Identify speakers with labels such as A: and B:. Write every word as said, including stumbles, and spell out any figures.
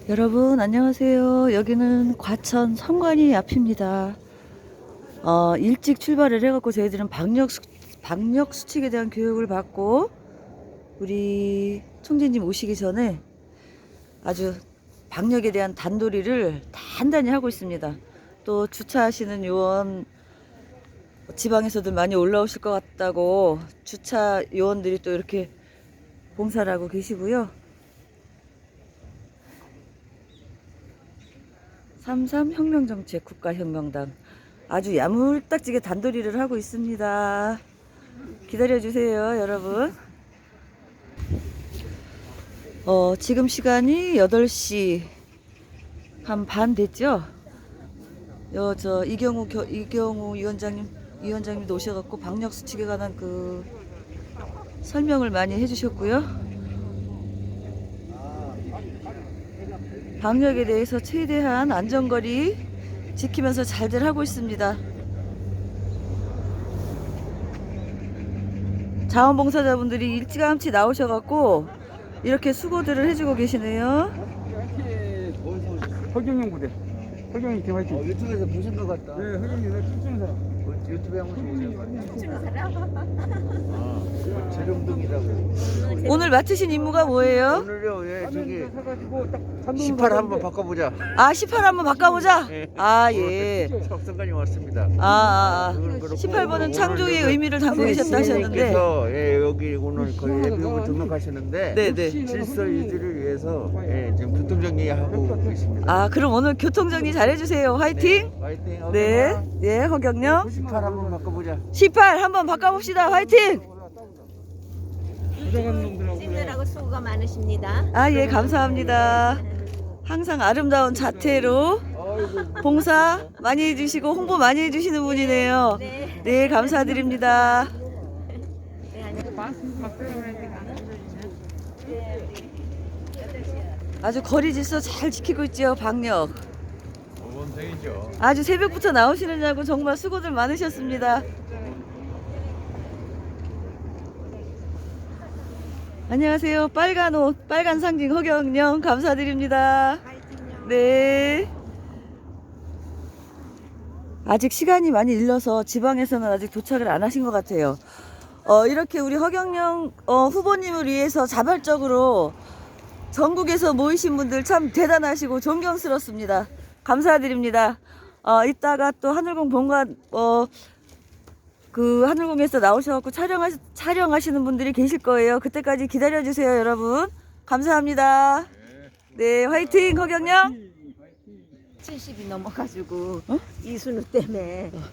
A: 여러분 안녕하세요. 여기는 과천 성관이 앞입니다. 어, 일찍 출발을 해갖고 저희들은 방역, 수, 방역 수칙에 대한 교육을 받고 우리 총재님 오시기 전에 아주 방역에 대한 단도리를 단단히 하고 있습니다. 또 주차하시는 요원 지방에서도 많이 올라오실 것 같다고 주차 요원들이 또 이렇게 봉사를 하고 계시고요. 삼삼 혁명정책 국가혁명당 아주 야물딱지게 단도리를 하고 있습니다. 기다려주세요 여러분. 어, 지금 시간이 여덟 시 한 반 됐죠. 여, 저 이경우 겨, 이경우 위원장님 위원장님도 오셔갖고 방역수칙에 관한 그 설명을 많이 해주셨고요. 방역에 대해서 최대한 안전거리 지키면서 잘들 하고 있습니다. 자원봉사자분들이 일찌감치 나오셔갖고 이렇게 수고들을 해주고 계시네요.
B: 허경영 부대. 허경영 팀 화이팅.
C: 어, 유튜브에서 보신 것 같다.
B: 네, 허경영 내가 춤추는 사람.
C: 어, 유튜브에 한번 보신 것 같다. 춤추는 사람? 아, 재룡동이라고.
A: 오늘 맡으신 임무가 뭐예요?
C: 오늘요, 예, 저기
B: 사가지고 딱
C: 십팔 한번 바꿔보자.
A: 아 십팔 한번 바꿔보자.
C: 예.
A: 아 예.
C: 석성관이 왔습니다.
A: 아, 아,
C: 그건
A: 아.
C: 그렇고
A: 십팔 번은
C: 오늘
A: 창조의
C: 여기
A: 의미를 담고 계셨다 하셨는데.
C: 선생님께서, 예, 여기 오늘 거의 예비역을 등록하셨는데
A: 네네.
C: 질서 유지를 위해서 예, 지금 교통정리하고 계십니다.
A: 아 그럼 오늘 교통정리 잘해주세요. 화이팅.
C: 네, 화이팅.
A: 네. 예 허경영.
C: 십팔 한번 바꿔보자.
A: 십팔 한번 바꿔봅시다. 화이팅.
B: 부정한 놈들하고.
D: 찐들하고 수고가 많으십니다.
A: 아 예 감사합니다. 항상 아름다운 자태로 봉사 많이 해주시고 홍보 많이 해주시는 분이네요.
D: 네.
A: 네 감사드립니다. 아주 거리 질서 잘 지키고 있죠. 방역.
C: 원생이죠.
A: 아주 새벽부터 나오시느냐고 정말 수고들 많으셨습니다. 안녕하세요. 빨간 옷, 빨간 상징 허경영 감사드립니다. 네. 아직 시간이 많이 일러서 지방에서는 아직 도착을 안 하신 것 같아요. 어, 이렇게 우리 허경영 어, 후보님을 위해서 자발적으로 전국에서 모이신 분들 참 대단하시고 존경스럽습니다. 감사드립니다. 어, 이따가 또 하늘공 본관, 어, 그 하늘공에서 나오셔갖고 촬영하시, 촬영하시는 분들이 계실 거예요. 그때까지 기다려주세요, 여러분. 감사합니다. 네, 화이팅, 허경영.
D: 칠십이 넘어가지고
A: 어?
D: 이순우 때문에